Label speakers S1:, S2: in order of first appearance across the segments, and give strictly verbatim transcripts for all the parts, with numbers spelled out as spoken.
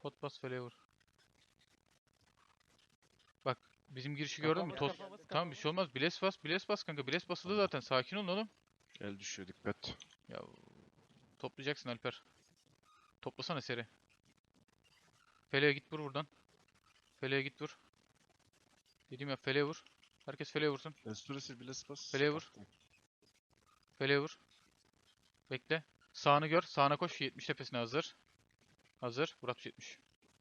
S1: Pot bas feleğe vur. Bak bizim girişi gördün mü?
S2: Kafamız,
S1: Toz.
S2: kafamız,
S1: Tamam bir şey olmaz. Biles bas, biles bas kanka. Biles basılı zaten. Sakin olun oğlum.
S3: El düşüyor dikkat.
S1: Ya toplayacaksın Alper. Toplasana seri. Feleğe git vur buradan. Feleğe git vur. Dediğim ya feleğe vur. Herkes feleğe vursun.
S3: Restoresi bile bas.
S1: Feleğe vur. Feleğe vur. Bekle. Sağını gör. Sağına koş. yetmiş tepesine hazır. Hazır. Vur altmış yetmiş.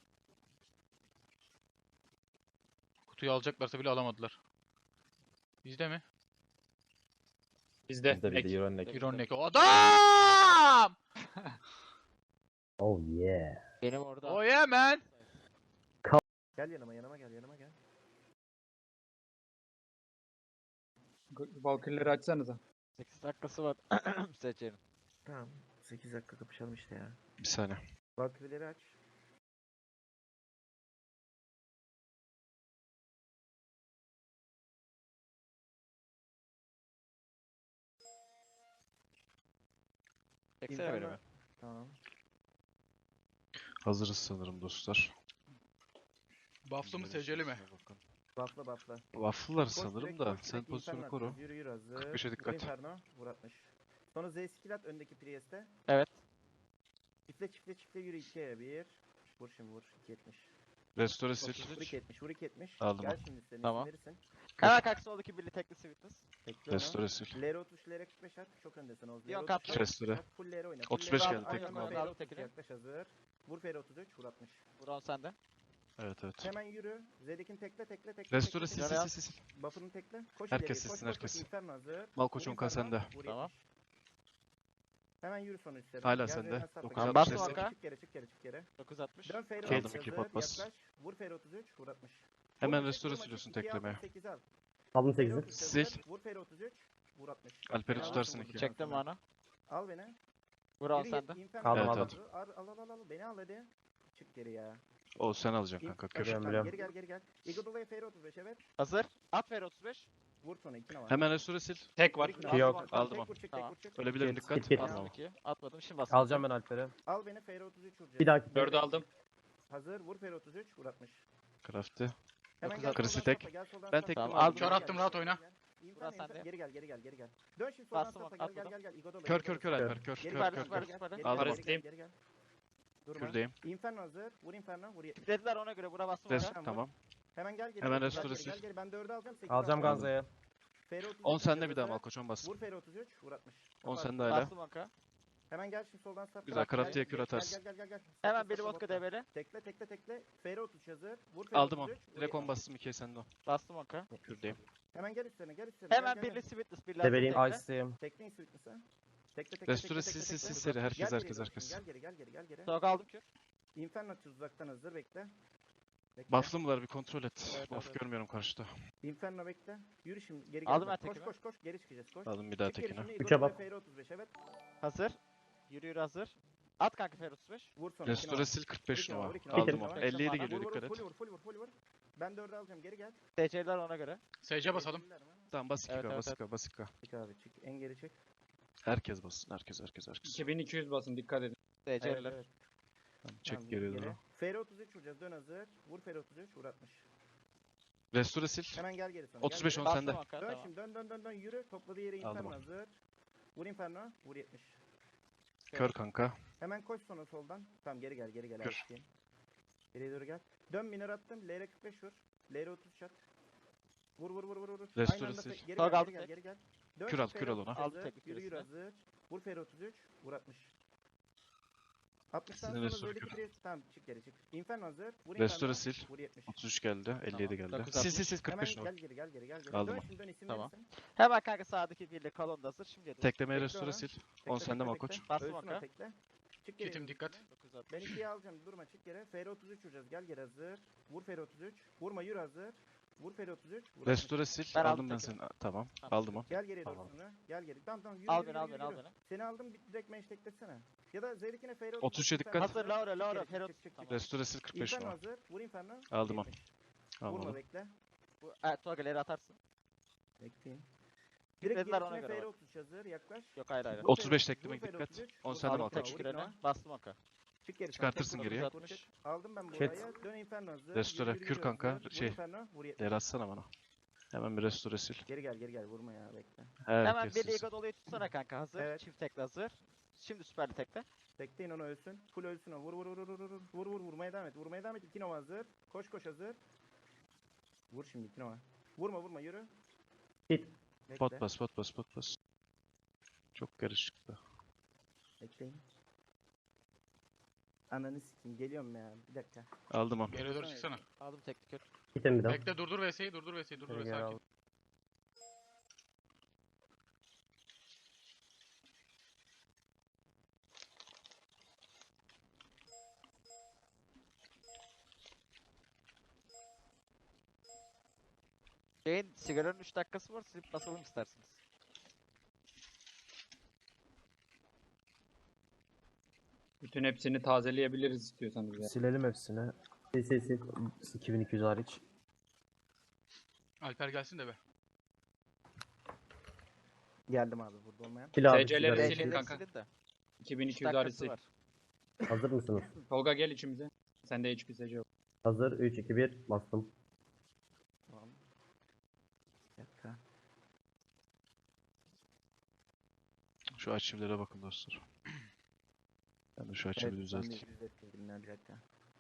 S1: Kutuyu alacaklarsa bile alamadılar. Bizde mi?
S4: Bizde.
S5: Bizde bir de
S4: Ek.
S5: Euroneck.
S1: Ironek. O adam!
S5: Oh yeah.
S2: Benim orada.
S1: Oh yeah man!
S6: Gel yanıma yanıma gel yanıma gel.
S4: Valkyrie'leri açsanıza.
S2: sekiz dakikası var. Seçelim.
S6: Tamam. sekiz dakika kapışalım işte ya.
S3: Bir saniye.
S6: Valkyrie'leri aç.
S2: Çeksene beni be.
S6: Tamam.
S3: Hazırız sanırım dostlar.
S1: Buff'lı mı seceli mi?
S6: Buffla buffla.
S3: Waffle'lar
S6: Koş
S3: sanırım
S6: direkt,
S3: da
S6: koş
S3: sen
S6: direkt,
S3: pozisyonu
S6: Inferno
S3: koru.
S6: atacağız. Yürü yürü hazır.
S3: kırk beşe
S6: Vur
S3: dikkat.
S6: Inferno. Vur altmış. Sonra Z skill at öndeki Priest'e.
S2: Evet.
S6: Çiftle çiftle çiftle yürü ikiye bir. Vur şimdi vur. iki yetmiş.
S3: Restore sil.
S6: Vur iki yetmiş. Vur iki yetmiş.
S3: Aldım
S6: Gel
S3: onu.
S6: şimdi senin
S2: Tamam.
S6: isim verirsin.
S2: Hemen kalk soldaki birli tekli sweetness.
S6: Bekle onu.
S3: Restore sil.
S6: Lere otuz, Lere kırk beş at. Çok öndesin Oğuz.
S2: Diyon
S6: Lere
S2: katla.
S6: otuz,
S3: Restore.
S6: at, Full Lere oyna.
S3: otuz
S6: full
S3: beş
S6: Lere
S3: geldi,
S6: al,
S3: tek
S6: aynen,
S3: mi aldı?
S6: Lere
S2: Aldım
S6: otuz,
S2: tekini.
S6: Yaklaş hazır. Vur Fere otuz üç. Vur altmış.
S2: Buron sende.
S3: Evet evet.
S6: Hemen yürü. Zedek'in tekle tekle tekle.
S3: Restore
S6: tekle,
S3: sil
S6: tekle.
S3: sil sil sil.
S6: Buff'ını tekle. Koş
S3: Herkes
S6: ileriye,
S3: silsin,
S6: koş, koş, koş.
S3: herkes.
S6: Inferno hazır.
S3: Malkoç
S6: Vur
S3: Onkan
S6: Inferno,
S3: sende.
S6: vur
S2: Tamam.
S6: yetmiş. Hemen yürü son üstlerine.
S3: Hala
S6: Gel
S3: sende.
S6: Zeydan Sarp'a,
S3: dokuz
S6: gel.
S3: altmış
S2: bastım
S3: destek.
S2: Onka.
S6: Çık geri çık geri çık geri.
S2: dokuz altmış.
S6: Dön Feyre
S3: Aldım,
S6: otuz
S3: iki
S6: hazır,
S3: pot bas.
S6: yaklaş. Vur Feyre otuz üç. Vur altmış.
S3: Hemen
S6: Vurma,
S3: restore
S6: vurma,
S3: siliyorsun
S6: ikiye
S3: teklemeye.
S6: altmış sekiz al.
S5: Aldım
S6: Feyre
S5: sekizi.
S6: otuz hazır,
S3: Sil.
S6: Vur Feyre otuz üç. Vur altmış.
S3: Alper'i
S6: Beni
S3: tutarsın
S6: alırsın
S3: iki.
S6: buradan
S2: Çektim
S6: sonra.
S2: bana.
S6: Al beni.
S2: Buron
S6: Yürü,
S2: sende.
S6: Inferno
S5: Aldım,
S6: hazır.
S3: aldım.
S6: Al al al al al. Beni al hadi. Çık geri ya.
S3: O sen alacaksın kanka. Kör.
S5: Biliyorum,
S6: Tamam,
S5: biliyorum.
S6: Geri gel geri gel. Igodola'ya Feyre otuz beş evet.
S2: Hazır. At ver otuz beş.
S6: Vur sonra iki var.
S3: Hemen restore sil.
S4: Tek var.
S6: Vur iki
S5: Ki
S6: var.
S5: yok.
S6: Aldım,
S3: Aldım
S6: tek
S3: onu.
S6: vur, çık, tek
S2: Tamam.
S6: vur, çık.
S3: Ölebilirim
S5: Git,
S3: dikkat.
S5: git, git.
S3: Aldım
S2: Bastım
S3: onu.
S2: ikiyi. Atmadım. Şimdi bastım.
S5: Alacağım ben Alper'i.
S6: Al beni Feyre otuz üç vuracağız.
S5: Bir dakika.
S4: Dördü aldım.
S6: Hazır vur Feyre otuz üç vur altmış.
S3: Crafty.
S6: Hemen
S2: Dokuz
S6: gel
S3: Kırısı
S6: soldan
S3: tek.
S6: sapla, gel soldan
S3: Ben
S6: sapla.
S3: tek
S2: Tamam,
S6: Gel,
S2: aldım.
S6: gel,
S1: Kör
S6: gel,
S1: attım,
S6: gel,
S1: rahat
S6: gel,
S1: oyna.
S6: gel. İnsan,
S2: Burası
S6: insan,
S2: sende.
S6: Geri gel geri gel geri gel. Dön şimdi soldan
S2: Bastım,
S6: sapla gel gel
S2: atladım.
S6: gel gel. Igodola,
S3: Kör
S6: Igodola,
S3: kör kör
S6: Igodola.
S3: Alper kör
S6: Geri
S3: kör
S6: gel,
S3: kör
S6: geri
S3: kör.
S6: gel, geri gel,
S3: Aldım
S6: geri
S3: onu.
S6: gel, geri gel. Durma.
S3: Kürdeyim.
S6: Inferno hazır. Vur Inferno. Vur yetmiş.
S2: Dediler ona göre bura bastım.
S3: Rest
S2: Ona.
S3: tamam.
S6: Hemen gel geri.
S3: Hemen
S6: gel,
S3: restore
S6: gel,
S3: sil.
S6: gel, gel. Ben dördü alacağım. sekiz
S5: Alacağım
S6: alacağım.
S5: Ganza'yı.
S6: Feyre otuz üç
S3: on sende bir daha
S6: hazır.
S3: Malkoç'un bastım.
S6: Vur Feyre otuz üç. Vur altmış.
S3: on
S6: Kapat.
S3: sende hala.
S2: Bastım onka.
S6: Hemen gel şimdi soldan sapla.
S3: Güzel,
S6: Gel,
S3: Crafty'ye
S6: gel,
S3: kür
S6: gel,
S3: atarsın.
S6: Gel gel gel gel.
S2: Hemen
S6: Sapla,
S2: biri
S6: sapla,
S2: vodka
S6: sapla.
S2: debeli.
S6: Tekle tekle tekle. Feyre otuz üç hazır. Vur Feyre
S3: Aldım o.
S6: otuz üç. vur
S3: Direkt on
S6: yetmiş.
S3: bastım ikiye sende o.
S2: Bastım onka.
S3: Kürdeyim.
S6: Hemen gel üstlerine gel üstlerine.
S2: Hemen
S6: gel, gel,
S2: birli
S6: gel.
S2: sweetness. Birli
S5: Debeleyim.
S2: tekle.
S5: Ice'deyim.
S6: Tekleyin Sweetness'a. Tekle tekle
S3: Restore
S6: tekle,
S3: sil
S6: tekle,
S3: sil sil
S6: tekle.
S3: seri. Herkes
S6: Gel geri
S3: herkes
S6: dön
S3: herkes.
S6: şimdi, Gel geri gel geri gel geri.
S2: Sok aldım kür.
S6: Inferno atacağız uzaktan hazır bekle. Bekle.
S3: Buff'lı mılar bir kontrol et.
S2: Evet,
S3: Buff
S2: evet.
S3: görmüyorum karşıda.
S6: Inferno bekle. Yürü şimdi geri
S2: Aldım
S6: gel.
S2: ben
S6: Koş
S2: tekini.
S6: koş koş geri çıkacağız koş.
S3: Aldım bir daha
S6: Çık geri
S3: tekini.
S6: şimdi,
S5: Üçe
S6: Igodola'ya
S5: bak.
S6: Feyre otuz beş evet.
S2: Hazır. Yürü yürü hazır. At kanka Fer otuz beş.
S6: Vur sonra.
S3: Restore
S6: ikine
S3: sil
S6: var.
S3: kırk beş
S6: İkine var,
S3: numara.
S6: ikine var,
S3: Aldım
S6: ikine
S3: o.
S6: var.
S3: elli yedi
S2: Vur,
S3: geliyor
S6: Vur vur
S3: dikkat
S6: full
S3: et.
S6: vur full vur full vur. Ben dördü alacağım geri gel.
S2: T C'ler ona göre.
S1: S C basalım.
S3: Tamam bas iki
S2: Evet,
S3: K
S2: evet,
S3: bas iki K bas iki K.
S6: Çık abi çık en geri çık.
S3: Herkes bassın. Herkes herkes herkes.
S4: iki bin iki yüz basın dikkat edin.
S2: T
S6: Evet,
S2: C'ler.
S6: evet.
S3: Tamam, çek
S6: Tamam,
S3: geriye doğru.
S6: Feyre otuz üç vuracağız dön hazır. Vur Feyre otuz üç vur altmış.
S3: Restore sil.
S6: Hemen gel geri sonra.
S3: otuz
S6: gel
S3: beş
S6: geri.
S3: on
S2: Bastım
S3: sende.
S2: onka.
S6: Dön
S2: Tamam.
S6: şimdi dön dön dön dön yürü. Topladığı yere
S3: Aldım
S6: Inferno
S3: onu.
S6: hazır. Vur Inferno. Vur yetmiş.
S3: Kör kanka.
S6: Hemen koş sonra soldan. Tamam geri gel geri gel.
S3: Kür.
S6: Kür. Geriye doğru gel. Dön miner attım. L R kırk beş vur. L R otuz çat. Vur vur vur vur vur.
S3: Restore
S6: Aynı anda
S3: sil.
S6: fe- Geri
S2: Tog
S6: gel
S2: aldım
S6: geri gel
S2: tek.
S6: geri gel. Dön
S3: Kür al,
S6: şimdi
S3: kür al
S6: Feyre
S3: ona.
S6: otuz
S2: Aldım
S6: hazır,
S2: teknik
S6: Yürü yürü
S2: küresine.
S6: hazır. Vur Feyre otuz üç. Vur altmış. altmıştan
S3: Sizin
S6: sonra
S3: restore
S6: Z'deki
S3: kür.
S6: pres. Tamam çık geri çık. Inferno hazır. Vur
S3: Restore
S6: Inferno.
S3: sil.
S6: Vur yetmiş.
S3: otuz üç geldi. elli yedi geldi.
S2: dokuz
S3: Sil sil
S2: altmış.
S3: sil kırk
S6: Hemen
S3: beş numara.
S6: gel geri gel geri gel geri.
S3: Aldım
S6: Dön
S3: onu.
S6: şimdi dön isim
S2: Tamam.
S6: verirsin.
S2: Hemen kanka sağdaki birli kalon da hazır. Şimdi yedim.
S3: Teklemeye
S6: Tekle
S3: restore
S6: ona.
S3: sil.
S6: Tekle,
S3: on sende
S6: tekle,
S3: Malkoç.
S6: tekle.
S2: Bastım
S6: Ölsün o
S2: onka.
S6: tekle. Çık geri.
S1: Kitim dikkat.
S2: dokuz altmış.
S6: Ben ikiye alacağım. Durma çık geri. Feyre otuz üç vuracağız. Gel geri hazır. Vur Feyre otuz üç. Vurma yürü hazır. Vur Feyre otuz üç. Vur altmış.
S3: Restore sil.
S2: Ben
S3: Aldım
S2: aldım
S3: ben
S2: tekini.
S3: seni. Tamam.
S2: Tamam.
S3: Aldım o.
S6: Gel geri doğru
S3: Tamam.
S6: sonra. Gel geri. Tamam tamam yürü
S2: Al
S6: yürü,
S2: beni al
S6: yürü,
S2: beni al
S6: yürü.
S2: beni.
S6: Seni aldım bir direkt meş teklesene. Ya da Zerik'ine Feyre
S3: otuz üçe dikkat.
S2: Hazır Laura Laura
S6: Çık,
S2: Fer
S6: çık,
S2: otuz.
S6: çık, çık.
S2: Tamam.
S3: Restore sil kırk beş
S6: Inferno
S3: numara.
S6: hazır. Vur Inferno.
S3: Aldım o.
S6: yetmiş. Vurma
S3: Almadım.
S6: bekle.
S2: Bu evet, Togaleri atarsın.
S6: Bekleyin. Direkt
S2: Dediler ona
S6: gerisine
S2: göre
S6: Feyre
S2: bak.
S6: otuz üç hazır. Yaklaş.
S2: Yok hayır hayır.
S6: Vur
S3: otuz beş
S6: Feyre-
S3: tekleme
S6: vur Feyre
S3: dikkat.
S6: otuz üç,
S3: on
S6: vur
S3: sende
S6: Feyre
S2: Aldım
S3: Malkoç.
S6: otuz üç,
S2: tek
S6: vur
S2: kürene.
S6: Inferno.
S2: Bastım onka.
S6: Çık geri.
S3: Çıkartırsın
S6: Tek
S3: geriye.
S6: vur, bunu çek. Aldım ben
S5: Ket.
S6: buraya. Dön Inferno hazır.
S3: Restore,
S6: Yürü, yürü,
S3: kür
S6: yürü
S3: kanka,
S6: hazır. Vur
S3: şey,
S6: Inferno, vur yetmiş.
S3: Leri atsana bana. Hemen bir restore sil.
S6: Geri gel geri gel vurma ya bekle.
S2: Hemen
S3: Herkes
S2: bir
S3: silsin.
S2: Liga dolayı tutsana kanka hazır.
S6: Evet.
S2: Çift tekle hazır. Şimdi süperli tekle.
S6: Bekleyin onu ölsün. Full ölsün o. Vur vur vur vur vur vur vur vur vurmaya devam et. Vurmaya devam et. İki Nova hazır. Koş koş hazır. Vur şimdi iki Nova. Vurma vurma yürü.
S5: Git.
S6: Bekle.
S3: Pot bas, pot bas, pot bas. Çok karışıktı.
S6: Bekleyin. Ananı sikeyim geliyorum ya. Bir dakika.
S3: Aldım onu.
S1: Geriye doğru çıksana.
S2: Aldım tekli kür.
S5: Gitin bir daha.
S1: Bekle durdur V S'yi durdur V S'yi durdur
S5: Geri
S1: ve
S5: geri
S1: sakin.
S5: al.
S2: Şeyin sigaranın üç dakikası var silip basalım isterseniz.
S4: Bütün hepsini tazeleyebiliriz istiyorsanız ya.
S5: Silelim hepsini. Sil sil sil. iki bin iki yüz hariç.
S1: Alper gelsin de be.
S6: Geldim abi burada olmayan.
S5: Sil abi.
S4: S C'leri
S5: sigara
S4: silin
S5: sil.
S4: kanka.
S2: Silin de.
S4: iki bin
S2: üç
S4: iki yüz
S2: dakikası
S4: harisi.
S2: var.
S5: Hazır mısınız?
S4: Tolga gel içimize. Sende H P S C yok.
S5: Hazır. üç, iki, bir. Bastım.
S6: Tamam. Bir dakika.
S3: Şu arşivlere bakın dostlar. Ben de şu arşivi
S6: Evet, ben de
S3: düzelteyim.
S6: düzelttim ya, bir dakika.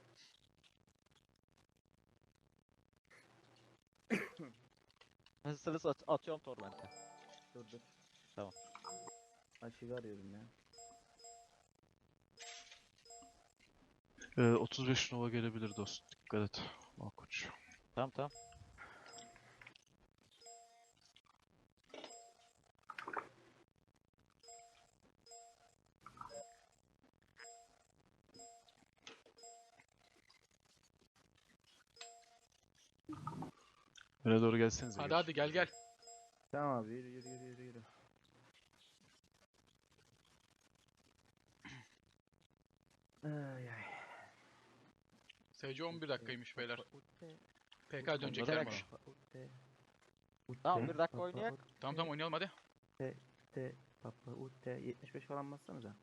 S2: Hazırsanız at atıyorum Torment'e.
S6: Dur dur.
S2: Tamam.
S6: Aşığı arıyorum ya.
S3: Ee, otuz beş Nova gelebilir dost. Dikkat et. Malkoç.
S2: Tamam tamam.
S3: Öne doğru gelsenize.
S1: Hadi
S3: gel.
S1: hadi gel gel.
S6: Tamam abi yürü yürü yürü yürü yürü. Ay ay.
S1: S C on bir dakikaymış beyler.
S6: Utte,
S1: P K dönecekler
S2: Onlara
S1: mi?
S2: bak.
S6: utte,
S2: Tamam
S6: utte,
S2: bir dakika
S6: papa,
S2: oynayak.
S1: Tamam tamam oynayalım hadi.
S6: utte, papa, utte. yetmiş beş falan bassanıza.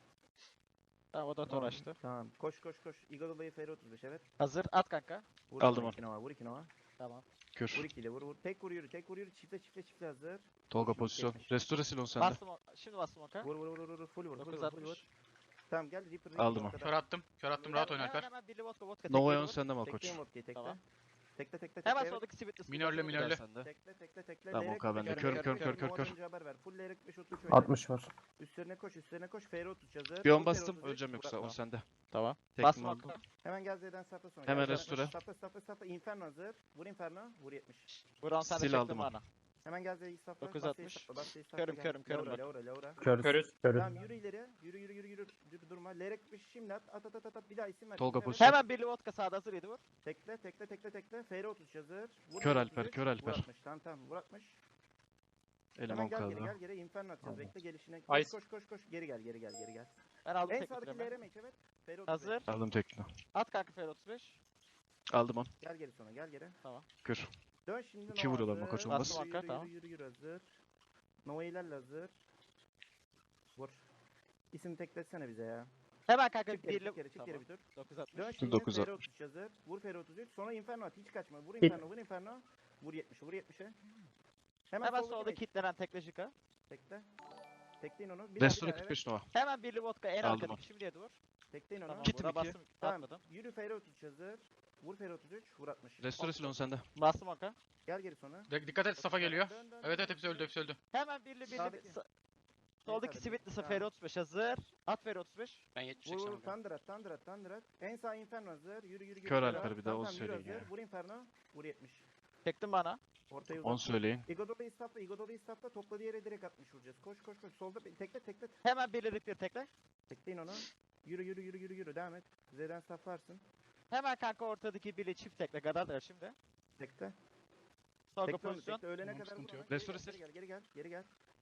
S2: Tamam o da tor açtı.
S6: Tamam. Koş koş koş. Eagle Feri otuz beş evet.
S2: Hazır at kanka.
S6: Vur
S3: Aldım
S6: sonra
S3: onu.
S6: iki Nova, vur iki Nova.
S2: Tamam.
S3: Kür.
S6: Vur iki ile vur vur. Tek vur yürü, tek vur yürü. Çifte çifte çifte hazır.
S3: Tolga
S6: Şimdi
S3: pozisyon.
S6: yetmiş.
S3: Restore sil on sende.
S2: Bastım o. Şimdi bastım oka.
S6: Vur vur vur vur vur. Full vur, full
S2: dokuz
S6: vur, full vur.
S2: altmış.
S6: Tamam gel Reaper. Reaper
S3: Aldım
S6: vodka'dan.
S1: Kör attım. Kör attım rahat oyna
S2: Hemen
S1: Alper.
S2: hemen Billy Vodka Vodka
S3: Nova'ya
S2: tekle
S3: on
S2: vur.
S3: sende Malkoç.
S6: Tekleyin vodka'yı tekle.
S2: Tamam.
S6: Tekle tekle tekle.
S2: Hemen
S6: evet.
S2: soldaki Sivitli
S1: Minörle, minörle.
S3: Sende.
S6: Tekle tekle tekle.
S3: Tamam,
S6: Leyrek
S3: Oka
S6: beş,
S3: bende.
S6: kör,
S3: Kör, kör, kör, kör,
S6: Nova
S3: kör.
S6: dönünce haber ver. Full Leyrek beş otuz üç oyna.
S5: altmış var.
S6: Üstlerine koş üstlerine koş. Feri otuz hazır.
S3: Bir on
S6: Vur
S3: bastım.
S6: Feri otuz üç,
S3: Öleceğim yoksa.
S6: Murat
S3: on
S6: Nova.
S3: sende.
S2: Tamam.
S3: Tekme
S2: Bastım
S3: aldım.
S2: oka.
S6: Hemen gel Z'den sapla sonra.
S3: Hemen
S6: Gel,
S3: restore.
S6: Sapla sapla sapla. Inferno hazır. Vur Inferno. Vur yetmiş.
S2: Buran sen de
S3: Sil
S2: çektin
S3: aldım onu.
S2: bana.
S6: Hemen gel Z'yi sapla.
S2: dokuz
S6: Basya'yı
S2: altmış.
S6: sapla, Basya'yı sapla,
S2: Körüm,
S6: gel.
S2: körüm, körüm
S6: Laura,
S2: bak.
S6: Laura, Laura.
S5: Körüz.
S4: Körüz.
S5: Körüz.
S6: Tamam yürü ileri. Yürü yürü yürü yürü. Yürü durma. Leyrek beş şimdi at. At at at at, at. Bir daha isim ver.
S3: Tolga
S6: isim ver.
S3: pozisyon.
S2: Hemen Billy Vodka sağda hazır yedi vur.
S6: Tekle tekle tekle tekle. Feri otuz hazır. Vur
S3: Kör
S6: Feri
S3: Alper,
S6: otuz üç,
S3: kör Alper.
S6: Vur altmış. Tamam tamam. Vur altmış.
S3: Elim
S6: Hemen
S3: on
S6: gel geri
S3: kaldı.
S6: gel geri. Inferno atacağız. Bekle gelişine. Koş
S4: Ice.
S6: koş koş koş. Geri gel geri gel geri gel.
S2: Ben aldım
S6: En
S2: tekli
S6: sağdaki
S2: hemen.
S6: L R M evet. Feri otuz beş.
S2: Hazır.
S3: Aldım tekno.
S2: At kanka Fer otuz beş.
S3: Aldım on.
S6: Gel geri sonra gel geri.
S3: Kür.
S6: Dön şimdi
S3: İki
S6: Nova
S3: vuruyorlar,
S6: hazır.
S3: Makaç
S2: olmaz.
S6: Yürü,
S2: Bastım
S6: yürü,
S2: tamam.
S6: yürü, yürü, yürü, hazır. Nova ilerle hazır. Vur. İsim tekletsene bize ya.
S2: Hemen kanka
S6: Çık geri,
S2: Billy
S6: çık geri, çık geri bir tur.
S2: dokuz altmış.
S6: Dön şimdi
S3: dokuz
S6: Feri
S3: altmış.
S6: otuz üç hazır. Vur Feri otuz üç. Sonra Inferno at. Hiç kaçma. Vur
S5: Git.
S6: Inferno, vur Inferno. Vur yetmişe, vur yetmişe. Hemen,
S2: Hemen
S6: soldaki
S2: solda
S6: mage.
S2: kilitlenen tekle Jika.
S6: Tekle. Tekleyin onu. Bir daha, bir
S3: Restore
S6: daha,
S3: kırk
S6: evet.
S3: beş Nova.
S2: Hemen Billy Vodka en
S3: Aldım
S2: arkadaki şimdi yedi vur.
S6: Tekleyin onu.
S2: Tamam.
S3: Kitim
S2: Buna
S3: iki.
S2: bastım.
S6: Tamam.
S2: Atmadım.
S6: Yürü Feri otuz üç hazır. Vur Feri otuz üç. Vur altmış.
S3: Restore sil on sende.
S2: Bastım oka.
S6: Gel geri sonra.
S1: De- dikkat et Safa geliyor.
S6: Dön, dön,
S1: Evet
S6: dön.
S1: evet hepsi öldü hepsi öldü.
S2: Hemen Billy Billy.
S6: Sağdaki.
S2: sa- Soldaki
S6: sağdaki.
S2: Sivitli'si
S6: Tamam.
S2: Fer otuz beş hazır. At Fer otuz beş.
S1: Ben yetmiş
S6: Vur
S1: seksen
S6: vur
S1: vurdum.
S6: Thunder at Thunder at Thunder at. En sağ Inferno hazır. Yürü yürü yürü.
S3: Kör
S6: yürü.
S3: Alper, bir daha
S6: Tamam,
S3: on
S6: tamam, yürü
S3: söyleyin
S6: hazır.
S3: ya.
S6: Vur Inferno. Vur yetmiş.
S2: Çektin bana.
S6: Ortaya
S3: on
S6: uzat.
S3: söyleyin.
S6: Igodola'yı stopla. Igodola'yı stopla. Topladığı yere direkt atmış vuracağız. Koş koş koş. Solda bir- tekle tekle.
S2: Hemen Billy Ripper tekle.
S6: Tekleyin onu. Yürü yürü yürü yürü yürü. Devam et. Z'den stoplarsın.
S2: Hemen kanka ortadaki Billy çift tekle. Gadar şimdi.
S6: Tekle.
S2: Sorgu
S6: Tekle onu.
S2: pozisyon.
S6: Tekle. Ölene
S1: Tamam,
S6: kadar
S1: sıkıntı
S6: vur
S1: yok.
S6: ona.
S3: Restore
S6: Geri
S3: sil.
S6: gel, geri gel. Geri gel.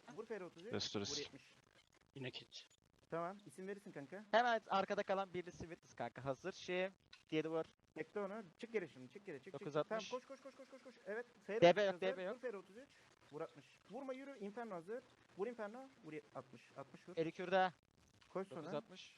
S6: Vur F R otuz üç.
S3: Restore,
S6: Vur
S3: restore.
S6: yetmiş.
S7: Yine kit.
S6: Tamam. İsim verirsin kanka.
S2: Hemen arkada kalan birisi Witness kanka. Hazır. Şey. Diğeri vur.
S6: Bekle onu. Çık geri şimdi. Çık geri. Çık çık.
S2: dokuz
S6: çık. Tamam
S2: altmış.
S6: koş koş koş koş koş koş. Evet. F R
S2: D B
S6: otuz
S2: yok,
S6: üç hazır.
S2: D B yok.
S6: Vur F R otuz üç. Vur altmış. Vurma yürü. Inferno hazır. Vur Inferno. Vur yet- altmış. altmış vur.
S2: Eli kürde.
S6: Koş
S2: dokuz
S6: sonra.
S2: altmış.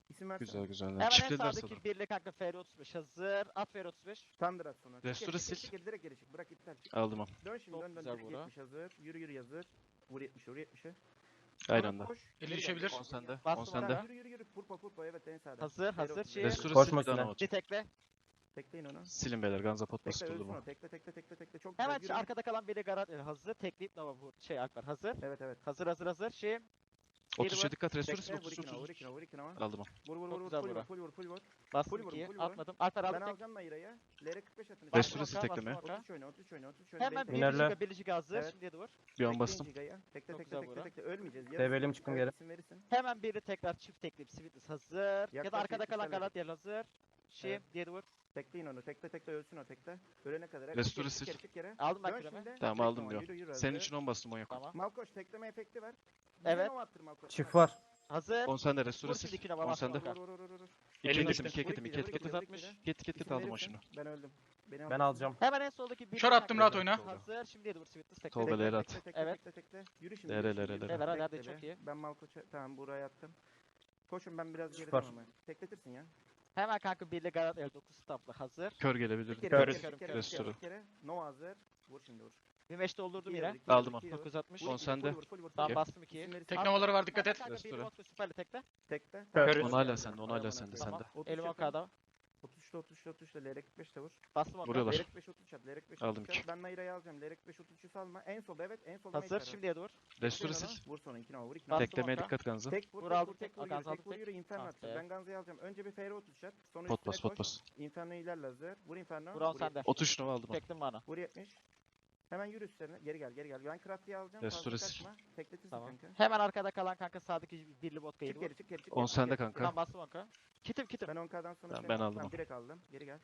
S6: İsim versene.
S3: Güzel güzel.
S2: Hemen en
S3: Çiftlediler
S2: sağdaki
S3: sana.
S2: birli kanka F R otuz beş hazır. At F R otuz beş.
S6: Thunder at sonra. Çık geri,
S3: Restore
S6: çık geri,
S3: sil.
S6: çık geri, direkt geri çık. Bırak iptal.
S3: Aldım onu.
S6: Dön şimdi
S2: Çok
S6: dön dön.
S2: güzel
S6: Direkt
S2: Buğra.
S6: yetmiş hazır. Yürü yürü hazır. Vur yetmişe vur yetmişe.
S3: Aynı
S6: Sonra
S3: anda.
S6: koş.
S1: Eli
S6: Geri gel,
S1: düşebilir.
S6: geri gel,
S3: On
S6: geri gel.
S3: sende.
S2: Bastım
S3: On sende.
S2: ona.
S6: Yürü yürü yürü. Purpa purpa evet en sağda.
S2: Hazır,
S6: F R
S2: hazır,
S6: otuz beş.
S2: şey-
S3: Restore
S5: Koşma
S3: sil. Bir daha
S5: üstüne.
S3: nova
S2: Bir
S3: çık.
S2: tekle.
S6: Tekleyin onu.
S3: Silin beyler. Ganza pot bası
S6: Tekle
S3: tuttu
S6: ölsün
S3: bu.
S6: o. Tekle tekle tekle tekle. Çok güzel.
S2: Hemen
S6: Yürü.
S2: şu arkada kalan biri garat hazır. Tekleyip Nova vur. Şey Alper hazır.
S6: Evet evet.
S2: Hazır hazır hazır. Şey.
S3: otuz yedi dikkat. Restore sil.
S6: Tekle vur
S3: otuz
S6: ikine vur
S3: otuz.
S6: ikine vur ikine vur.
S3: Aldım onu.
S6: Vur vur
S2: Çok
S6: vur vur.
S2: güzel
S6: Full
S2: Buğra.
S6: vur full vur full vur.
S2: Bastım
S6: Full vur,
S2: ikiyi.
S6: full vur.
S2: Atmadım. Alper
S6: Ben
S2: aldım tek.
S6: alacağım Naira'ya. L R kırk beş atın.
S3: Restore
S2: Bastım
S3: sil
S2: oka,
S3: tekleme.
S2: bastım oka.
S6: otuz oyna otuz oyna otuz oyna.
S2: Hemen bir
S5: Minerle.
S2: giga bir giga hazır.
S6: Evet.
S2: Şimdi vur.
S3: Bir an bastım.
S6: Tekle
S2: Çok
S6: tekle
S2: güzel
S6: tekle
S2: Buğra.
S6: tekle. Ölmeyeceğiz.
S5: Develim çıkın geri.
S6: İsim verirsin.
S2: Hemen biri tekrar çift tekleyip Sweetness hazır. Ya da
S6: Yaklaş,
S2: arkada kalan
S6: yetmişler
S2: garat yer hazır. Şey
S6: Evet.
S2: diye vur.
S6: Tekleyin onu. Tekle tekle ölsün o tekle. Ölene kadar.
S3: Restore
S6: Çık geri,
S3: sil.
S6: çık geri, çık geri.
S2: Aldım ben
S6: Dön
S2: küreme.
S6: şimdi.
S3: Tamam
S6: Tekle
S3: aldım
S6: ona,
S3: diyor.
S6: yürü, yürü,
S3: Senin
S6: hazır.
S3: için on bastım on yok.
S2: Tamam.
S6: Malkoç tekleme efekti ver.
S2: Evet.
S6: Nova attır Malkoç.
S5: Çift var.
S2: Hazır.
S3: on sende. Restore
S2: Vur
S3: sil.
S2: şimdi iki Nova
S3: on
S2: bastım
S3: sende.
S2: oka.
S6: Vur vur vur vur.
S3: İki
S4: Elin
S3: ekitim.
S4: düştü.
S3: iki ekitim. iki
S6: Vur
S3: ekitim.
S6: ikide, vur ikide.
S2: dokuz altmış.
S3: Git git git
S6: İsim
S3: aldım o
S6: verirsin.
S3: şunu.
S6: Ben öldüm. Beni
S5: Ben
S6: al.
S5: alacağım.
S2: Hemen en soldaki biri.
S1: Kör attım, rahat oyna.
S2: Hazır. Şimdi vur Sweetness tekle.
S3: Tolga
S2: Tekle.
S3: Leyla at.
S6: Tekle tekle
S2: Evet.
S6: tekle tekle. Yürü şimdi.
S3: Lere,
S6: yürü
S3: lere,
S6: şimdi,
S3: lere.
S6: yürü.
S2: Evet, hadi,
S6: Bekle
S2: çok
S6: be.
S2: iyi.
S6: Ben Malkoç'a tamam buraya attım. Koşun ben biraz
S5: Süper.
S6: geriden ama. Tekletirsin ya.
S2: Hemen kanka birli garat el dokuz stamplı hazır.
S3: Kör
S6: Bir
S3: gelebilir.
S6: kere,
S2: Körüz.
S6: bir kere, bir kere, bir
S3: Restore.
S6: kere, bir kere. No hazır. Vur şimdi vur.
S2: Bir meş doldurdum
S6: İkiye
S2: yine.
S6: vur, ikiye vur,
S3: Aldım
S6: ikiye vur.
S2: dokuz altmış.
S6: Vur
S3: On
S6: ikide,
S3: sende.
S6: full vur, full vur, full
S2: Tamam
S6: vur.
S2: bastım ikiyi.
S6: İsim verirsin.
S1: Teknemaları var, dikkat et.
S2: Kanka bir
S3: Restore.
S2: vodka süperli tekle.
S6: Tekle.
S4: Körüz.
S3: On hala sende. On hala sende.
S2: Tamam.
S3: Sende.
S6: otuz
S2: Elim
S6: yapın.
S2: okada.
S6: otuz üçte otuz üçte otuz üçte L R kırk beş de vur.
S2: Bastım oka.
S3: Vuruyorlar.
S6: L R kırk beş otuz üç at. L R kırk beş
S3: Aldım
S6: otuz üç at.
S3: ki.
S6: Ben Naira'yı alacağım. L R kırk beş otuz üçü salma. En solda evet. En solda
S2: Hazır.
S6: Naira'da.
S2: Şimdiye dur.
S3: Restore
S6: Tekleyin
S3: sil.
S6: onu. Vur sonra ikine vur. ikine
S2: Bastım
S6: vur.
S3: Teklemeye
S2: oka.
S3: dikkat Ganza.
S6: Tek vur,
S2: Vur
S6: tek
S2: aldım,
S6: vur, tek
S2: tek.
S6: vur,
S2: Akan
S6: yürü,
S2: aldım,
S6: tek vur,
S2: tek.
S6: yürü, Inferno
S2: Ah
S6: atacağız.
S2: be.
S6: Ben Ganza'yı alacağım. Önce bir F R otuz at. Sonra
S3: Pot
S6: üstüne
S3: bas pot
S6: koş.
S3: bas.
S6: Inferno ilerle hazır. Vur Inferno.
S2: Vur on
S6: Vur
S2: sende.
S6: yetmiş.
S3: otuz üç nova aldım onu.
S2: Teklim bana.
S6: Vur yetmiş. Hemen yürü üstlerine. Geri gel, geri gel. Ben Crafty'yi alacağım.
S3: Restore
S6: Fazla
S3: sil.
S6: kaçma. Tekletirsin
S2: Tamam.
S6: kanka.
S2: Hemen arkada kalan kanka sağdaki birli vodka
S6: Çık
S2: vur.
S6: geri, çık geri, çık
S3: On
S6: geri, çık
S3: sende
S6: geri.
S3: kanka.
S2: Tamam bastım oka. Kitim kitim.
S6: Ben on K'dan sonra
S3: Tamam,
S6: seni
S3: ben
S6: aldım.
S3: aldım
S6: Tamam,
S3: onu.
S6: direkt aldım. Geri gel.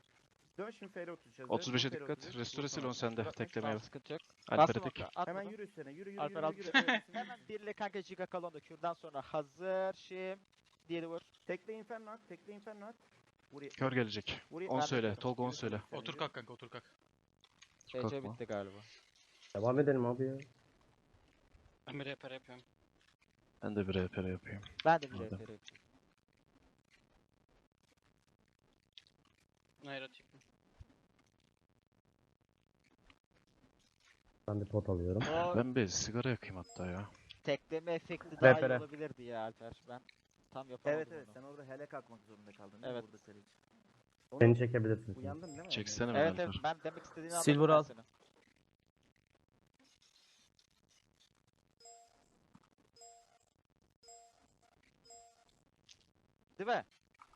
S6: Dön şimdi F R otuz hazır.
S3: otuz beşe
S6: Vur F R
S3: dikkat.
S6: otuz üç,
S3: Restore
S6: vur
S3: sil
S6: sonra.
S3: on sende.
S6: Vur altmış.
S3: Teklemeye
S2: Tamam
S3: bak.
S2: sıkıntı yok.
S3: Alper'e
S2: Bastım
S3: tek.
S2: oka.
S6: Hemen
S2: Atmadım.
S6: yürü üstlerine. Yürü, yürü,
S2: Alper
S6: yürü,
S2: aldım.
S6: yürü. Evet, şimdi
S2: Hemen birli kanka giga kalonda kürdan sonra hazır. Şimdi diğeri vur.
S6: Tekle Inferno at. Tekle Inferno at. Vur yetmiş.
S3: Kör gelecek.
S6: Vur
S3: On
S6: yetmiş.
S3: söyle.
S6: Yürü,
S3: Tolga on
S6: yürü,
S3: söyle.
S6: yürü,
S1: Otur
S6: yürü.
S1: kalk kanka, otur kalk.
S2: C C
S3: Kalkma.
S2: bitti galiba.
S5: Devam edelim abi ya.
S7: Ben bir repair yapıyorum.
S3: Ben de bir R P R yapayım.
S2: Ben de bir
S3: Aldım.
S2: rehber yapayım.
S7: Naira tipim.
S5: Ben de pot alıyorum.
S2: O
S3: Ben bir sigara yakayım hatta ya.
S2: tekleme efekti daha iyi
S5: Rehbere.
S2: olabilirdi ya Alper. Ben tam yapamadım
S6: Evet evet
S2: onu.
S6: sen orada hele kalkmak zorunda kaldın değil
S2: Evet.
S6: mi burada senin için? Onu
S5: Beni çekebilirsin.
S6: uyandın değil mi?
S3: Çeksene mi
S2: Evet evet
S3: Alper?
S2: ben demek istediğini anladım
S5: Silver
S2: ben
S5: al.
S2: senin. Değil mi?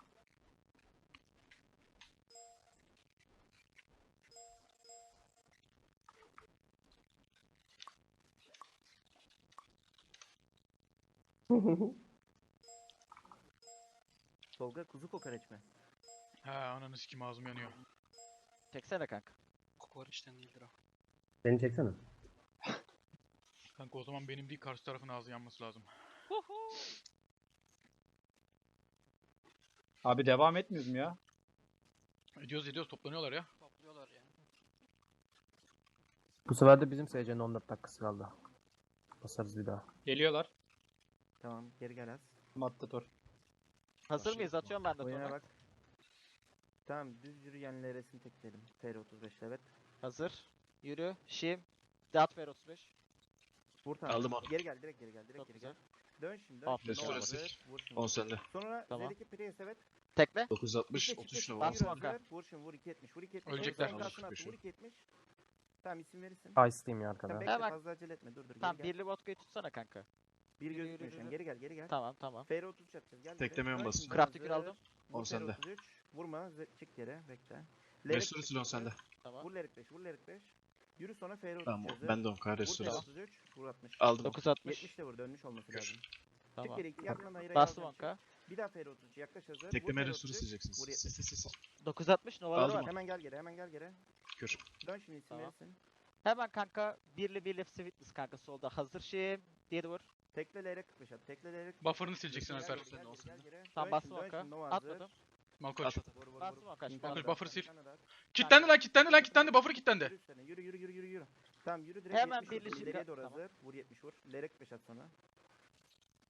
S6: Tolga kuzu kokoreç mi?
S1: Ha ananı sikim, ağzım yanıyor.
S2: Çeksene kanka.
S7: Kokoreçten değildir o.
S5: Beni çeksene.
S1: Kanka o zaman benim değil, karşı tarafın ağzı yanması lazım.
S4: Abi devam etmiyoruz mu ya?
S1: Ediyoruz ediyoruz, toplanıyorlar ya.
S7: Topluyorlar yani.
S5: Bu sefer de bizim S C'nin on dört dakikası kaldı. Basarız bir daha.
S4: Geliyorlar.
S6: Tamam geri gel az.
S4: Matador.
S2: Hazır mıyız? Atıyorum ben de
S6: Oyuna
S2: sonra.
S6: bak. Tamam düz yürüyenle resim tekledim. F R otuz beş evet.
S2: Hazır. Yürü. Şim. Deat ver otuz beş.
S6: Vur tamam.
S3: Aldım onu.
S6: Geri gel direkt geri gel direkt
S2: Çok
S6: geri
S2: güzel.
S6: gel. Dön şimdi dön.
S2: Aferin.
S6: şimdi.
S3: Restore
S6: Hazır,
S3: sil.
S6: Vur şimdi.
S3: on sende.
S6: Sonra
S2: Tamam.
S6: Z'deki Prius evet.
S2: Tekle.
S3: dokuz altmış.
S6: Çifte,
S3: otuz
S6: çifte,
S3: üç
S6: çifte,
S3: nova
S2: Bastım
S6: yürü,
S3: aldım.
S2: Hakan.
S6: hazır. Vur şimdi vur iki yetmiş vur iki yetmiş.
S1: Ölecekler.
S6: Sonra
S3: Almış
S6: altına attı,
S3: beşi.
S6: Vur iki yetmiş. Tamam isim verirsin.
S5: Ice'liyim ya
S6: Sen
S5: arkada.
S6: bekle
S2: Hemen-
S6: fazla acele etme dur dur
S2: Tamam
S6: geri gel.
S2: birli vodka'yı tutsana kanka.
S6: Bir
S2: yürü,
S6: gözükmüyor
S2: yürü,
S6: şu an
S2: yürü.
S6: geri gel geri gel.
S2: Tamam tamam.
S6: F R otuz üç atacağız gel.
S3: Teklemeye mi
S6: Dön
S3: basıyorsun?
S6: şimdi,
S2: Crafty
S6: hazır.
S2: bir aldım.
S6: Vur
S3: On sende.
S6: F R otuz üç. Vurma ze- çık yere bekle.
S3: Restore sil on sende.
S2: Tamam.
S6: Vur Lerik beş vur Lerik beş. Yürü sonra F R otuz üç
S3: Tamam
S6: hazır.
S3: ben de on K
S6: Vur
S3: restore
S6: F R
S3: sil.
S6: otuz üç vur altmış.
S3: Aldım onu.
S2: dokuz altmış.
S6: yetmiş de vur dönmüş olması lazım. Çık
S2: Tamam.
S6: geri iki yandan ayıra
S2: Bastım onka.
S6: Bir daha F R otuz üç yaklaş hazır.
S3: Tekleme
S6: Vur F R
S3: restore
S6: otuz üç.
S3: sileceksiniz.
S6: Vur
S3: Sil
S6: yetmiş.
S3: sil sil sil.
S2: dokuz altmış novaları
S3: Aldım
S2: var.
S3: onu.
S6: Hemen gel geri hemen gel geri.
S3: Kür.
S6: Dön şimdi isim
S2: Tamam.
S6: verirsin.
S2: Hemen kanka birli birli Sweetness kanka solda. Hazır Şim. Diğeri vur.
S6: Tekle L R kırk beş at. Tekle L R kırk beş.
S1: Buffer'ını sileceksin
S6: Gel,
S1: Alper.
S6: gel, gel, gel, gel, gel.
S2: Tamam
S6: Dön
S2: bastım
S6: şimdi, dön
S2: onka.
S6: şimdi, Nova hazır.
S2: Atmadım.
S1: Malkoç.
S3: At at at.
S6: Vur, vur,
S2: Bastım
S6: vur.
S2: onka.
S6: Şimdi
S2: Şimdi
S1: Malkoç,
S6: bastım.
S1: buffer sil.
S6: Sen de at.
S1: Kilitlendi lan, kilitlendi lan, kilitlendi. Buffer kilitlendi.
S6: Yürü üstlerine, Yürü yürü yürü yürü yürü. Tamam yürü direkt
S2: Hemen
S6: yetmiş vur.
S2: birleşik
S6: İleriye
S2: yap-
S6: doğru
S2: tamam.
S6: hazır. Vur yetmiş vur. L R kırk beş at sonra.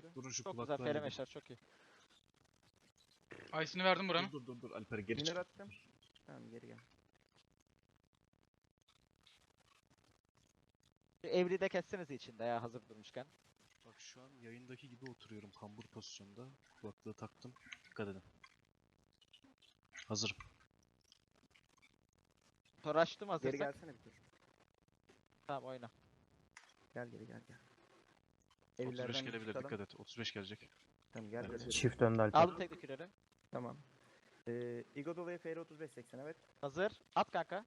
S6: yürü.
S3: Durun şu
S2: Çok güzel
S3: kulaklığa
S2: F L
S3: gidin.
S2: meşler çok iyi.
S1: Ice'ını verdim buranın.
S3: Dur dur dur Alper'e geri
S6: Minör
S3: çık.
S6: attım. Tamam geri gel.
S2: Şu Evri de kesseniz içinde ya hazır durmuşken.
S3: Bak şu an yayındaki gibi oturuyorum kambur pozisyonda. Kulaklığı taktım. Dikkat edin. Hazırım.
S2: Toraştım
S6: Geri
S2: hazırsak.
S6: gelsene bir tur.
S2: Tamam oyna.
S6: Gel geri gel gel.
S3: otuz beş
S6: Evlerden
S3: gelebilir
S6: tutalım.
S3: dikkat et. otuz beş gelecek.
S6: Tamam gel
S3: Evet.
S6: gel.
S5: Çift önde Alper.
S2: Aldım tek küreleri.
S6: Tamam. Ee, Igodola'ya F R otuz beş seksen evet.
S2: Hazır. At kanka.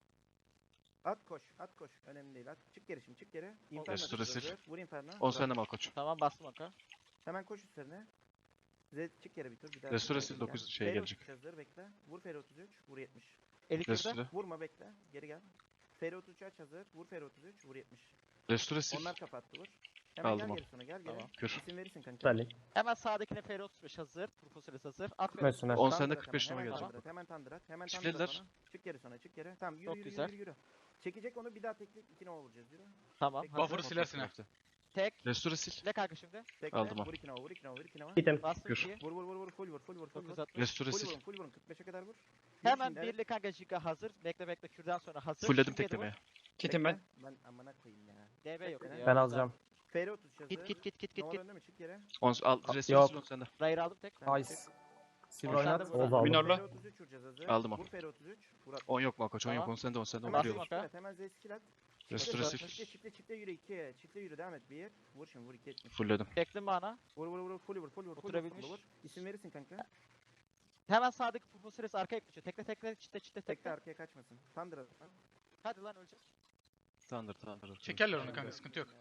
S6: At koş, at koş. Önemli değil. At. Çık geri şimdi, çık geri. Inferno
S3: Restore
S6: tutuyor,
S3: sil.
S6: hazır. Vur Inferno.
S3: on
S6: Vur.
S3: sende Malkoç.
S2: Tamam bastım oka.
S6: Hemen koş üstlerine. Z çık geri bir tur. Bir daha
S3: Restore
S6: çık
S3: sil,
S6: geri
S3: dokuz
S6: gel.
S3: şey
S6: F R
S3: gelecek.
S6: otuz hazır bekle. Vur F R otuz üç. Vur yetmiş.
S2: Eli kürde.
S3: Restore.
S6: Vurma bekle. Geri gel. F R otuz üç aç hazır. Vur F R otuz üç. Vur yetmiş.
S3: Restore sil.
S6: Onlar kapattı vur. Hemen
S3: Aldım
S6: gel
S3: onu.
S6: geri sonra gel geri.
S2: Tamam.
S3: Kür.
S6: İsim verirsin kanka.
S5: Süperlik.
S2: Hemen sağdakine F R otuz beş hazır. Propolis hazır. At
S5: Mesut Öner.
S3: on
S6: Tandır
S3: sende
S6: at
S3: kırk beş
S6: hemen,
S3: numara
S6: hemen
S3: gelecek.
S6: tandır at, Hemen tandır at. Hemen tandır
S3: Çiftlediler.
S6: at ona. Çık geri sonra çık geri. Tamam yürü
S2: Çok
S6: yürü,
S2: güzel.
S6: yürü yürü Çekecek onu bir daha tekleyip iki nova vuracağız yürü.
S2: Tamam.
S6: Tek-
S2: Hazır.
S1: Buffer'ı silersin ha.
S2: Tek.
S3: Restore sil.
S2: Ne kanka şimdi?
S6: Tekle.
S3: Aldım o.
S6: Vur iki nova vur iki nova vur iki nova.
S5: Gitim.
S2: Bastım
S3: Kür.
S2: ikiyi.
S6: Vur vur vur vur full vur full vur full vur.
S2: dokuz altmış.
S3: Restore
S6: Full
S3: sil.
S6: vurun full vurun kırk beşe kadar vur. Vur
S2: Hemen
S6: şimdi, evet.
S2: birli kanka Giga hazır. Bekle bekle kürden sonra hazır.
S3: Fullledim
S2: Şimdi yedi vur.
S3: teklemeye.
S4: Kitim ben.
S6: Bekle. Ben amına koyayım ya.
S2: D B yok.
S6: Bekle.
S2: ya.
S5: Ben alacağım.
S6: F R otuz hazır.
S2: Git git git git git
S6: Nova
S2: git.
S6: önde mi çık geri.
S3: on al. Restore
S5: Yok.
S3: sil on sende.
S2: Rayır aldım tek.
S6: Tamam,
S5: Ice.
S6: çık.
S5: Sil
S2: On
S5: oynat.
S2: sende vur.
S5: Oğuz aldım.
S4: Minorla.
S6: F R otuz üç vuracağız hazır.
S3: Aldım o.
S6: Vur F R otuz üç. Vur at.
S3: on yok Malkoç. on yok.
S2: Tamam.
S3: on sende on sende.
S6: Hemen
S3: Vuruyorum.
S2: Bastım.
S6: Z skill at. Hemen Z skill at.
S3: Restore sil.
S6: Çifte çifte çifte yürü iki. Çifte yürü devam et bir. Vur şimdi vur iki etmiş.
S3: Fullledim.
S2: Çektim bana.
S6: Vur vur vur full vur full vur full vur,
S2: Oturabilmiş.
S6: full vur. İsim verirsin kanka.
S2: Hemen sağdaki Propolis arkaya geçiyor. Tekle tekle çite çite
S6: Tekte
S2: tekle.
S6: arkaya kaçmasın. Tandır at.
S2: Hadi lan ölecek.
S3: Tandır tandır.
S1: Çekerler onu kanka, sıkıntı yok.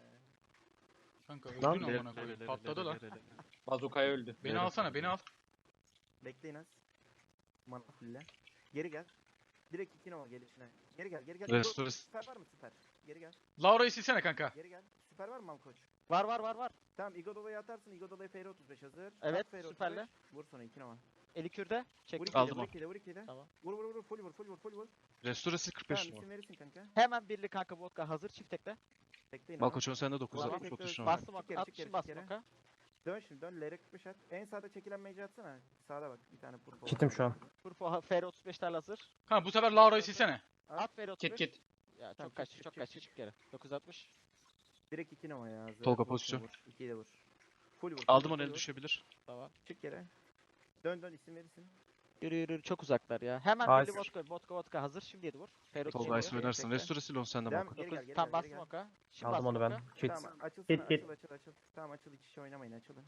S1: Kanka
S5: Lan,
S1: öldün
S3: Lele,
S1: amına koyayım.
S3: lele,
S1: Patladı
S3: lele,
S1: lan.
S3: lele, lele.
S4: Bazukaya öldü.
S1: Beni
S3: Lele.
S1: alsana, beni al.
S6: Bekleyin az. Mana fulle. Geri gel. Direkt iki nova gelişine. Geri gel geri gel.
S3: Restore.
S6: Süper var mı süper? Geri gel.
S1: Laura'yı silsene kanka.
S6: Geri gel. Süper var mı Malkoç?
S2: Var var var var.
S6: Tamam Igodola'ya atarsın. Igodola'ya F R otuz beş hazır.
S2: Evet,
S6: At F R otuz beş.
S2: süperle.
S6: Vur sonra iki nova.
S2: Eli kürde.
S6: Vur
S2: Çektim.
S6: ikiyle,
S3: Aldım
S6: vur
S3: o.
S6: ikiyle, vur ikiyle.
S2: Tamam.
S6: Vur vur vur full vur full vur full vur.
S3: Restore sil kırk beş
S6: Tamam
S3: numara.
S6: isim verirsin kanka.
S2: Hemen birli kanka vodka hazır. Çift tekle.
S6: Bekleyin ama.
S3: Malkoç on sende dokuz
S6: Tamam,
S3: altmış otuz
S6: tekrar
S3: numara.
S2: Bastım
S6: Çık
S2: oka.
S6: geri,
S2: At
S6: çık
S2: şimdi
S6: geri,
S2: bastım
S6: çık
S2: oka.
S6: Dön şimdi dön. L R kırk beş at. En sağda çekilen mage atsana. Sağda bak bir tane purple.
S5: Kitim şu an.
S2: Turfo F R otuz beşler hazır.
S1: Kanka bu sefer Laura'yı silsene.
S2: At F R otuz
S4: Kit
S2: beş.
S4: kit.
S2: Ya
S6: Tamam,
S2: çok kaç
S6: çık,
S2: çok
S6: çık,
S2: kaç
S6: çık,
S2: çık geri. dokuz altmış.
S6: Direkt iki nova ya. hazır.
S3: Tolga
S6: Vur,
S3: pozisyon.
S6: Vur. ikiyi de vur. Full vur. full
S3: Aldım
S6: vur,
S3: onu
S6: full
S3: el
S6: vur.
S3: düşebilir.
S2: Tamam.
S6: Çık geri. Dön dön isim verirsin.
S2: Yürü yürü yürü, çok uzaklar ya. Hemen
S5: Nice.
S2: birli vodka vodka vodka hazır. Şimdi yedi vur. F R otuz
S3: Tolga
S2: beş.
S3: Ice oynarsın.
S6: Bekle.
S3: Restore sil on sende
S6: Devam,
S3: Malkoç.
S6: geri gel, geri
S2: Tam
S6: gel,
S2: bastım
S6: geri gel.
S2: oka. Şimdi
S5: Aldım onu ben.
S2: bastım oka.
S5: Kit.
S6: Tamam açılsana
S5: Git, git.
S6: açıl açıl açıl. Tamam açıl iç içe oynamayın açılın.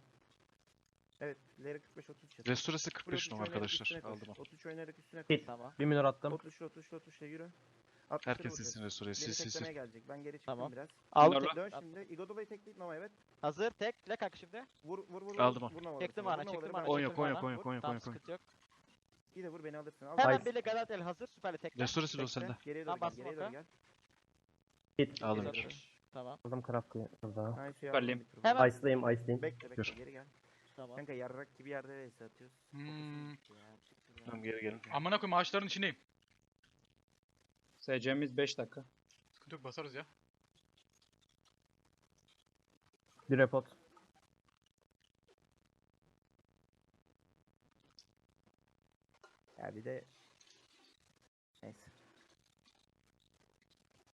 S6: Evet L R kırk beş otuz çatı.
S3: Restore sil kırk
S6: Full
S3: beş
S6: otuz
S3: numara
S6: oynayarak
S3: arkadaşlar.
S6: üstüne koş.
S3: Aldım o.
S6: otuz oynayarak üstüne koş.
S5: Git.
S2: Tamam.
S5: Bir minor attım.
S6: otuz otuz otuz yürü. altmışları
S3: Herkes
S6: vuracağız.
S3: silsin Restore'yi. Sil
S6: Beni
S3: sil sil.
S6: teklemeye gelecek. Ben geri çıktım
S2: Tamam.
S6: biraz.
S2: Aldım
S4: Minorla.
S2: tek.
S6: Dön şimdi. Igodola'yı tekleyip Nova evet.
S2: Hazır tek. Tek kanka şimdi.
S6: Vur vur vur.
S3: Aldım
S6: vur.
S3: o.
S6: Vur Nova'ları
S2: Çektim
S6: sonra,
S2: ana
S6: vur
S2: çektim
S6: Nova'ları
S2: ana.
S3: On
S6: ben-
S3: yok
S2: çektim
S3: on yok
S2: ana.
S3: on yok on yok on
S2: Tamam
S3: yok. on yok.
S2: sıkıntı yok.
S6: İyi de vur beni alırsın. Al.
S2: Hemen
S5: Nice.
S2: birli Galadel hazır. Süperli tekle.
S3: Restore sil on
S6: Bekle,
S3: sende.
S6: Geriye
S2: Tamam,
S6: doğru gel.
S2: bastım
S6: Geriye doğru
S2: oka.
S6: gel.
S5: Git.
S3: Aldım.
S2: dokuz
S3: bir.
S2: altmış. Tamam.
S5: Aldım craft'ı burada.
S6: Nice ya.
S4: Süperliyim.
S6: bir tur.
S2: Hemen-
S5: Ice'layım Ice'layım.
S6: Bekle bekle
S3: Gör.
S6: geri gel.
S2: Tamam.
S6: Kanka yarrak gibi yerde vs atıyoruz.
S1: Hmm.
S6: Ya, çık şuradan.
S3: Tamam geri gelin.
S1: Amına koyayım ağaçların içindeyim.
S4: S C'miz beş dakika.
S1: Sıkıntı yok, basarız ya.
S5: Bir repot.
S6: Ya bir de neyse.